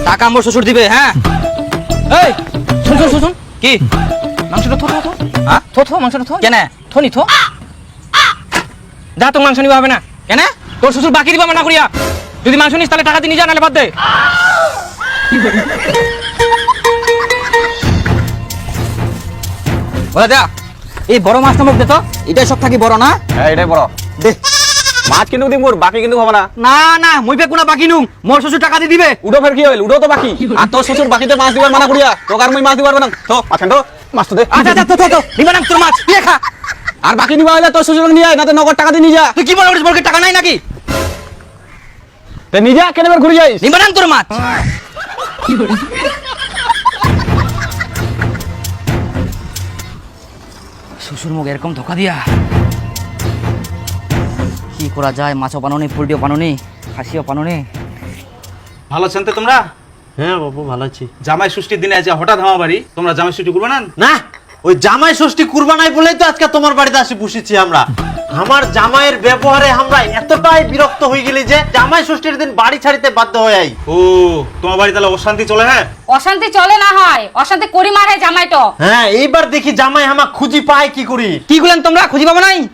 টাকা মোর শ্বশুর দিবে। হ্যাঁ এই শুন শুন শুন কি মাংসটা থো থো থো হ্যাঁ থো থো মাংসটা থো কেন থো নি থো যা তোর মাংস নিবা হবে না কেন তোর শ্বশুর বাকি দিবা না করিয়া যদি মাংস নিস তাহলে টাকা দিয়ে নিয়ে যা নাহলে বাদ দে বলে দা এই বড় মাছটা মুখ দে তো এটাই সব থাকি বড় না হ্যাঁ এটাই বড় দে মাছ কিন্তু দিম মোর বাকি কিন্তু হবে না না না মুই পে কোনা বাকি নুম মোর শ্বশুর টাকা দিয়ে দিবে উডো ফের কি হইল উডো তো বাকি আর তোর শ্বশুর বাকিতে মাছ দিবার মানা করিয়া তোকে আর মুই মাছ দিবার না তো আছেন তো মাছ তো দে আচ্ছা আচ্ছা তো তো নিবা না তোর মাছ দিয়ে খা আর বাকি নিবা হইলে তোর শ্বশুর নিয়ে আয় না তো নগদ টাকা দিয়ে নিয়ে যা তুই কি মনে করিস বলকে টাকা নাই নাকি তে নিয়ে যা কেন ঘুরে যাইস নিবা না তোর মাছ শ্বশুর মুখ এরকম ধোকা দিয়া কি করা যায় মাছও পানোনি পোল্ট্রিও পানোনি খাসিও পানোনি ভালো আছেন তো তোমরা? হ্যাঁ বাবু ভালো আছি। জামাই ষষ্ঠীর দিনে আজ হঠাৎ আমার বাড়ি, তোমরা জামাই ষষ্ঠী করবে না? না ওই জামাই ষষ্ঠী কুরবানাই বলেই তো আজকে তোমার বাড়িতে আসি বসেছি আমরা। আমার জামাইয়ের ব্যবহারে আমরা এতটাই বিরক্ত হয়ে গেলি যে জামাই ষষ্ঠীর দিন বাড়ি ছাড়িতে বাধ্য হয়ে আই। ও তোমার বাড়ি তাহলে অশান্তি চলে? হ্যাঁ অশান্তি চলে না হয় অশান্তি করি মারে জামাই তো। হ্যাঁ এইবার দেখি জামাই আমার খুঁজি পায় কি করি। কি করলেন তোমরা খুঁজি পাবো নাই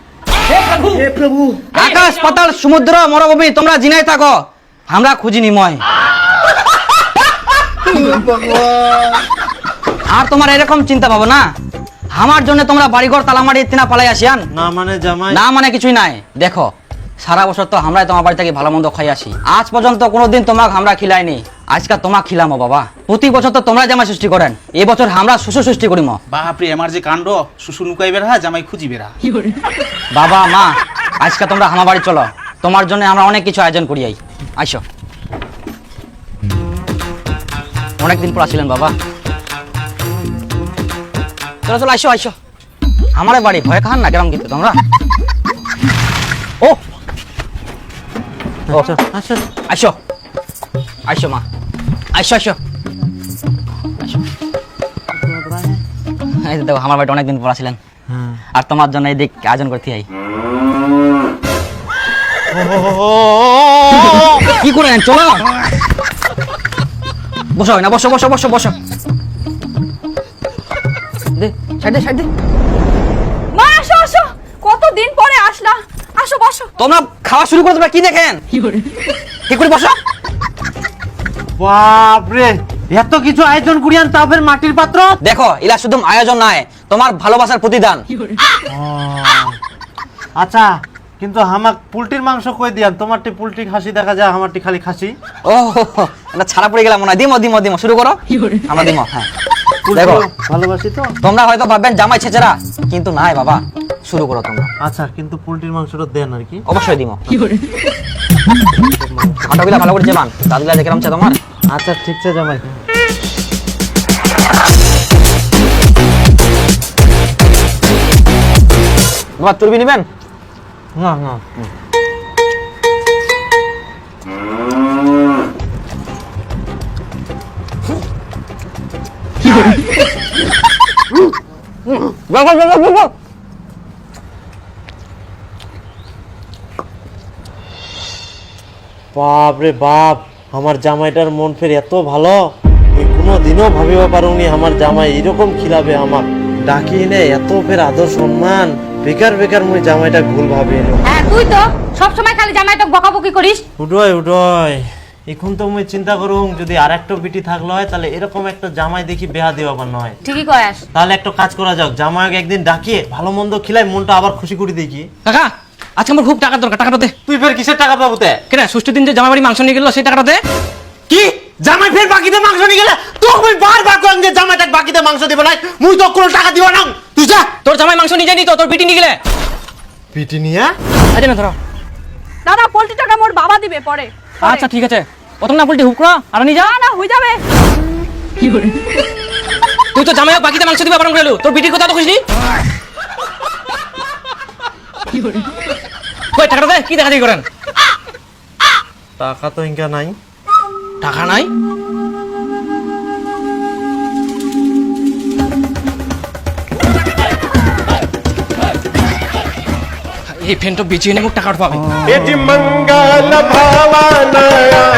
আকাশ পাতাল সমুদ্র মরুভূমি তোমরা জিনাই থাকো আমরা খুঁজি নিময় আর তোমার এরকম চিন্তা পাবো না আমার জন্য তোমরা বাড়িঘর তালামারি ইত্তিনা পালাই আসিয়ান না মানে জামাই না মানে কিছুই নাই দেখো সারা বছর তো আমরাই তোমার বাড়ি থেকে ভালো মন্দ খাই আসি আজ পর্যন্ত কোনোদিন তোমাকে আমরা খিলাইনি আজকে তোমাকে খিলামো বাবা প্রতি বছর তো তোমরা জামাই সৃষ্টি করেন এই বছর আমরা শ্বশুর সৃষ্টি করিম বাপরে আমার যে কাণ্ড, শ্বশুর লুকাই বেড়া জামাই খুঁজি বেড়া। বাবা মা আজকে তোমরা আমার বাড়ি চলো তোমার জন্য আমরা অনেক কিছু আয়োজন করি আইসো অনেকদিন পর আসিলেন বাবা চলো চলো আইসো আইসো আমার বাড়ি ভয় খান না কেরম কিন্তু তোমরা ও আচ্ছা আচ্ছা আইসো আইসো মা আইসো আইসো এই দেখো আমার বাড়িতে অনেকদিন পর আসিলেন আর তোমার জন্য এই দিক আয়োজন করতে আই কি করেন চলো বসো না বসো বসো বসো বসো দে সাইড দে সাইড দে মা আসো আসো কতদিন পরে আসলা আসো বসো। তোমরা খাওয়া শুরু করে দেবে কি দেখেন কি করে বসো বাপরে এত কিছু আয়োজন করিয়ান তা ফের মাটির পাত্র। দেখো ইলা শুধু আয়োজন নয় তোমার ভালোবাসার প্রতিদান আচ্ছা কিন্তু আমাক পোল্ট্রির মাংস কই দিয়ান তোমারটি পোল্ট্রি খাসি দেখা যায় আমারটি খালি খাসি। ও এটা ছাড়া পড়ে গেলাম মনে হয় দিমো দিমো দিমো শুরু করো আমরা দিমো হ্যাঁ দেখো ভালোবাসি তো। তোমরা হয়তো ভাববেন জামাই ছেচেরা কিন্তু নাই বাবা শুরু করো তোমরা আচ্ছা কিন্তু পোল্ট্রির মাংসটা দেন আর কি। অবশ্যই দিমো খাটাগুলা ভালো করে চেবান দাদুলা দেখলাম চা তোমার আচ্ছা ঠিক আছে জামাই। বাবা তুলবি নিবেন না না বাবা বাবা বাবা বাপ রে বাপ আমার জামাইটার মন ফের এত ভালো আমি কোনোদিনও ভাবিবা পারুনি আমার জামাই এরকম খিলাবে আমাক ডাকি নে এত ফের আদর সম্মান বেকার বেকার মুই জামাইটা ভুল ভাবি এলো। হ্যাঁ তুই তো সব সময় খালি জামাইটা বকাবকি করিস। উডয় উডয় এখন তো মুই চিন্তা করুম যদি আর একটা বিটি থাকলো হয় তাহলে এরকম একটা জামাই দেখি বেহা দিবা পার নয়। ঠিকই কয়াস। তাহলে একটা কাজ করা যাক জামাইকে একদিন ডাকিয়ে ভালো মন্দ খিলাই মনটা আবার খুশি করে দেখি। কাকা আজকে আমার খুব টাকার দরকার টাকাটা দে তুই ফের কিসের টাকা পাবো তে? কেন ষষ্ঠীর দিন যে জামাই বাড়ি মাংস নিয়ে গেল সেই টাকাটা দে কি জামাই ফের বাকিতে মাংস নিয়ে গেলে তোকে মুই বারবার কইম যে জামাইটাকে বাকিতে মাংস দিব না মুই তো কোনো টাকা দিব না। তুই যা তোর জামাই মাংস নিয়ে যায়নি তো তোর পিটি নিয়ে গেলে পিটি নিয়ে আজ না ধরো দাদা পোল্ট্রি টাকা মোর বাবা দিবে পরে। আচ্ছা ঠিক আছে প্রথম না পোল্ট্রি হুক করো আর নিয়ে যা না হয়ে যাবে। তুই তো জামাই বাকিতে মাংস দিবা বারণ করলু তোর পিটির কথা তো খুশি কই টাকাটা দে কি দেখা দেখি করেন টাকা তো ইনকা নাই। টাকা নাই এই ফ্যানটা বেচিয়ে নেব টাকা পাবে यजि मंगल भावनया